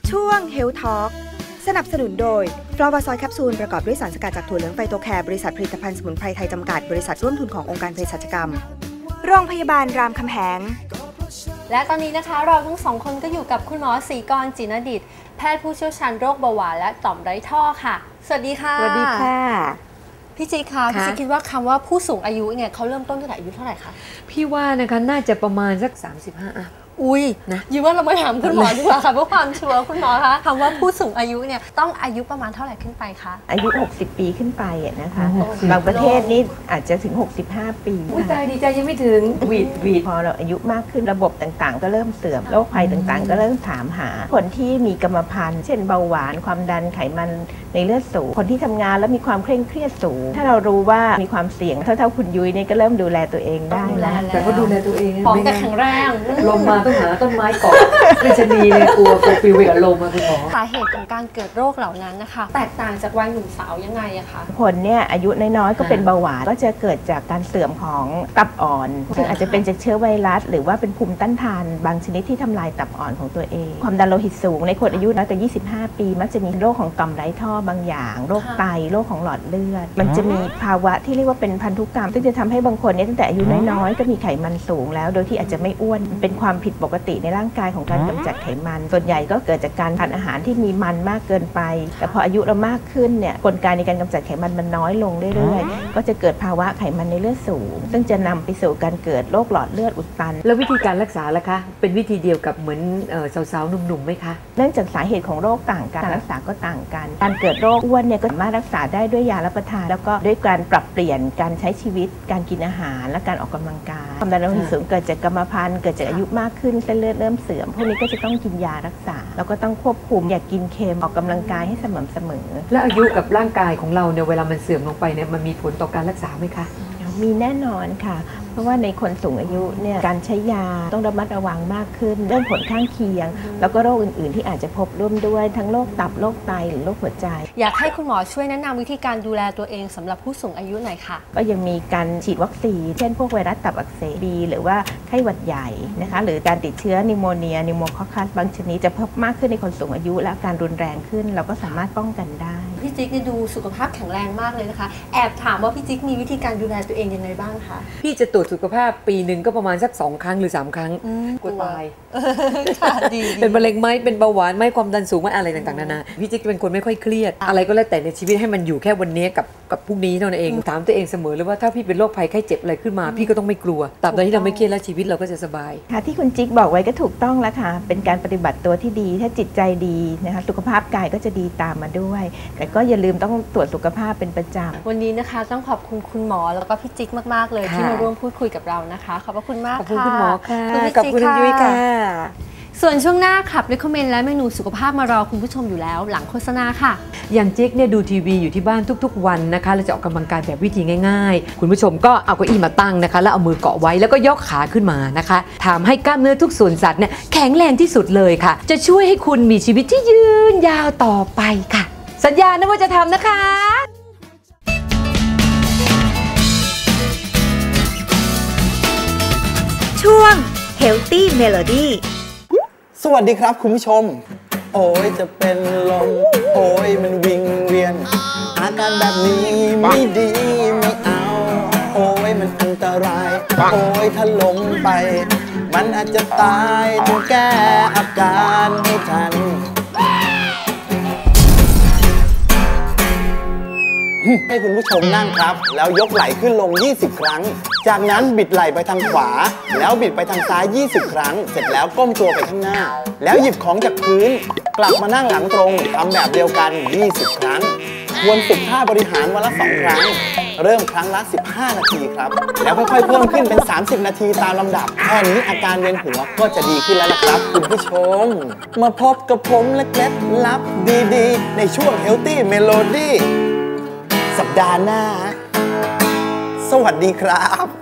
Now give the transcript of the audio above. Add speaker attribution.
Speaker 1: ช่วง Health Talk สนับสนุนโดยฟลาวาซอยแคปซูลประกอบด้วยสารสกัดจากถั่วเหลืองไฟโตแคร์บริษัทผลิตภัณฑ์สมุนไพรไทยจำกัดบริษัทร่วมทุนขององค์การเภสัชกรรมโรงพยาบาลรามคำแหง
Speaker 2: และตอนนี้นะคะเราทั้งสองคนก็อยู่กับคุณหมอศรีกร จินดิษฐ์แพทย์ผู้เชี่ยวชาญโรคเบาหวานและต่อมไร้ท่อค่ะสวัสดีค่ะ
Speaker 3: สวัสดีค่ะ
Speaker 2: พี่จิ๊กคะพี่จิ๊กคิดว่าคำว่าผู้สูงอายุเนี่ยเขาเริ่มต้นตั้งแต่อายุเท่าไหร่คะ
Speaker 3: พี่ว่านะคะน่าจะประมาณสัก35อ่ะ
Speaker 2: อุ้ยนะยินว่าเรามาถามคุณหมอดีกว่าค่ะเพื่อความชัวร์คุณหมอคะคำว่าผู้สูงอายุเนี่ยต้องอายุประมาณเท่าไหร่ขึ้นไปคะ
Speaker 4: อายุ60 ปีขึ้นไปนะคะบางประเทศนี่อาจจะถึง65 ปี
Speaker 3: ใจดีใจยังไม่ถึงวีด
Speaker 4: พอเราอายุมากขึ้นระบบต่างๆก็เริ่มเสื่อมโรคภัยต่างๆก็เริ่มถามหาคนที่มีกรรมพันธุ์เช่นเบาหวานความดันไขมันในเลือดสูงคนที่ทำงานแล้วมีความเคร่งเครียดสูงถ้าเรารู้ว่ามีความเสี่ยงเท่าคุณยุ้ยเนี่ยก็เริ่มดูแลตัวเองได้แล้ว
Speaker 3: แต่ก็ดูแลตัวเอง
Speaker 2: ของแต่แข็งแรง
Speaker 3: ลมมาต้องหาต้นไม้เกาะไม่ชนีเลยกลัวปิวไปกับลมมาคุณหมอ
Speaker 2: สาเหตุของการเกิดโรคเหล่านั้นนะคะแตกต่างจากวัยหนุ่มสาวยังไงอะคะ
Speaker 4: คนเนี่ยอายุน้อยๆก็เป็นเบาหวานก็จะเกิดจากการเสื่อมของตับอ่อนซึ่งอาจจะเป็นจากเชื้อไวรัสหรือว่าเป็นภูมิต้านทานบางชนิดที่ทำลายตับอ่อนของตัวเองความดันโลหิตสูงในคนอายุน้อยกว่า25 ปีมักจะมีโรคของต่อมไร้ท่อบางอย่างโรคไตโรคของหลอดเลือดมันจะมีภาวะที่เรียกว่าเป็นพันธุกรรมซึ่งจะทำให้บางคนเนี่ยตั้งแต่อายุน้อยๆก็มีไขมันสูงแล้วโดยที่อาจจะไม่อ้วนเป็นความผิดปกติในร่างกายของการกำจัดไขมันส่วนใหญ่ก็เกิดจากการทานอาหารที่มีมันมากเกินไปแต่พออายุเรามากขึ้นเนี่ยกลไกในการกำจัดไขมันมันน้อยลงเรื่อยๆก็จะเกิดภาวะไขมันในเลือดสูงซึ่งจะนำไปสู่การเกิดโรคหลอดเลือดอุดตัน
Speaker 3: แล้ววิธีการรักษาล่ะคะเป็นวิธีเดียวกับเหมือนสาวๆหนุ่มๆไหมคะ
Speaker 4: เนื่องจากสาเหตุของโรคต่างกันการรักษาก็ต่างกันการเกิดโรคอ้วนเนี่ยก็สามารถรักษาได้ด้วยยารับประทานแล้วก็ด้วยการปรับเปลี่ยนการใช้ชีวิตการกินอาหารและการออกกำลังกายความดันโลหิตสูงเกิดจากกรรมพันธุ์เกิดจากอายุมากขึ้นเส้นเลือดเริ่มเสื่อมพวกนี้ก็จะต้องกินยารักษาแล้วก็ต้องควบคุมอย่ากินเค็มออกกำลังกายให้สม่ำเสมอ
Speaker 3: และอายุกับร่างกายของเราเนี่ยเวลามันเสื่อมลงไปเนี่ยมันมีผลต่อการรักษาไหมคะ
Speaker 4: มีแน่นอนค่ะเพราะว่าในคนสูงอายุเนี่ยการใช้ยาต้องระมัดระวังมากขึ้นเรื่องผลข้างเคียงแล้วก็โรคอื่นๆที่อาจจะพบร่วมด้วยทั้งโรคตับโรคไตหรือโรคหัวใจ
Speaker 2: อยากให้คุณหมอช่วยแนะนำวิธีการดูแลตัวเองสำหรับผู้สูงอายุหน่อยค่ะ
Speaker 4: ก็ยังมีการฉีดวัคซีนเช่นพวกไวรัสตับอักเสบบีหรือว่าไข้หวัดใหญ่นะคะหรือการติดเชื้อนิโมเนียนิโมคอคัสบางชนิดจะเพิ่มมากขึ้นในคนสูงอายุและการรุนแรงขึ้นเราก็สามารถป้องกันได้
Speaker 2: พี่จิ๊กดูสุขภาพแข็งแรงมากเลยนะคะแอบถามว่าพี่จิ๊กมีวิธีการดูแลตัวเองยังไงบ้างคะ
Speaker 3: พี่จะตรวจสุขภาพปีหนึ่งก็ประมาณสัก2 ครั้งหรือ3 ครั้งกลัวตายเป็นมะเร็งไหมเป็นเบาหวานไหมความดันสูงไหมอะไรต่างๆนานาพี่จิ๊กเป็นคนไม่ค่อยเครียดอะไรก็แล้วแต่ในชีวิตให้มันอยู่แค่วันนี้กับพรุ่งนี้เท่านั้นเองถามตัวเองเสมอเลยว่าถ้าพี่เป็นโรคภัยไข้เจ็บอะไรขึ้นมาพี่ก็ต้องไม่กลัวตราบใดที่เราไม่เครียดแล้วชีวิตเราก็จะสบาย
Speaker 4: ค่ะที่คุณจิ๊กบอกไว้ก็ถูกต้องแล้วค่ะเป็นการปฏิบัติตัวที่ดีถ้าจิตใจดีนะคะสุขภาพกายก็จะดีตามมาด้วยแต่ก็อย่าลืมต้องตรวจสุขภาพเป็นประจำ
Speaker 2: วันนี้นะคะต้องขอบคุณคุณหมอแล้วก็พี่จิ๊กมากๆเลยที่มาร่วมพูดคุยกับเรานะคะขอบพระคุณมากค่ะ
Speaker 3: ขอบคุณคุณหมอค่ะขอบคุณยุ้ยค่ะ
Speaker 2: ส่วนช่วงหน้าขับ recommend และเมนูสุขภาพมารอคุณผู้ชมอยู่แล้วหลังโฆษณาค่ะ
Speaker 3: อย่างจิ๊กเนี่ยดูทีวีอยู่ที่บ้านทุกๆวันนะคะเราจะออกกำลังกายแบบวิธีง่ายๆคุณผู้ชมก็เอาเก้าอี้มาตั้งนะคะแล้วเอามือเกาะไว้แล้วก็ยกขาขึ้นมานะคะทำให้กล้ามเนื้อทุกส่วนสัตว์เนี่ยแข็งแรงที่สุดเลยค่ะจะช่วยให้คุณมีชีวิตที่ยืนยาวต่อไปค่ะสัญญานะว่าจะทำนะคะ
Speaker 1: ช่วง Healthy Melody
Speaker 5: สวัสดีครับคุณผู้ชมโอ้ยจะเป็นลมโอ้ยมันวิงเวียนอาการแบบนี้ไม่ดีไม่เอาโอ้ยมันอันตรายโอ้ยถ้าล้มไปมันอาจจะตายต้องแก้อาการให้ทันให้คุณผู้ชมนั่งครับแล้วยกไหล่ขึ้นลง20 ครั้งจากนั้นบิดไหล่ไปทางขวาแล้วบิดไปทางซ้าย20 ครั้งเสร็จแล้วก้มตัวไปข้างหน้าแล้วหยิบของจากพื้นกลับมานั่งหลังตรงทำแบบเดียวกัน20 ครั้งควรฝึกท่าบริหารวันละ2 ครั้งเริ่มครั้งละ15 นาทีครับแล้วค่อยๆเพิ่มขึ้นเป็น30 นาทีตามลำดับแค่นี้อาการเวียนหัวก็จะดีขึ้นแล้วนะครับคุณผู้ชมมาพบกับผมและเคล็ดลับดีๆในช่วง Healthy Melodyสัปดาห์หน้าสวัสดีครับ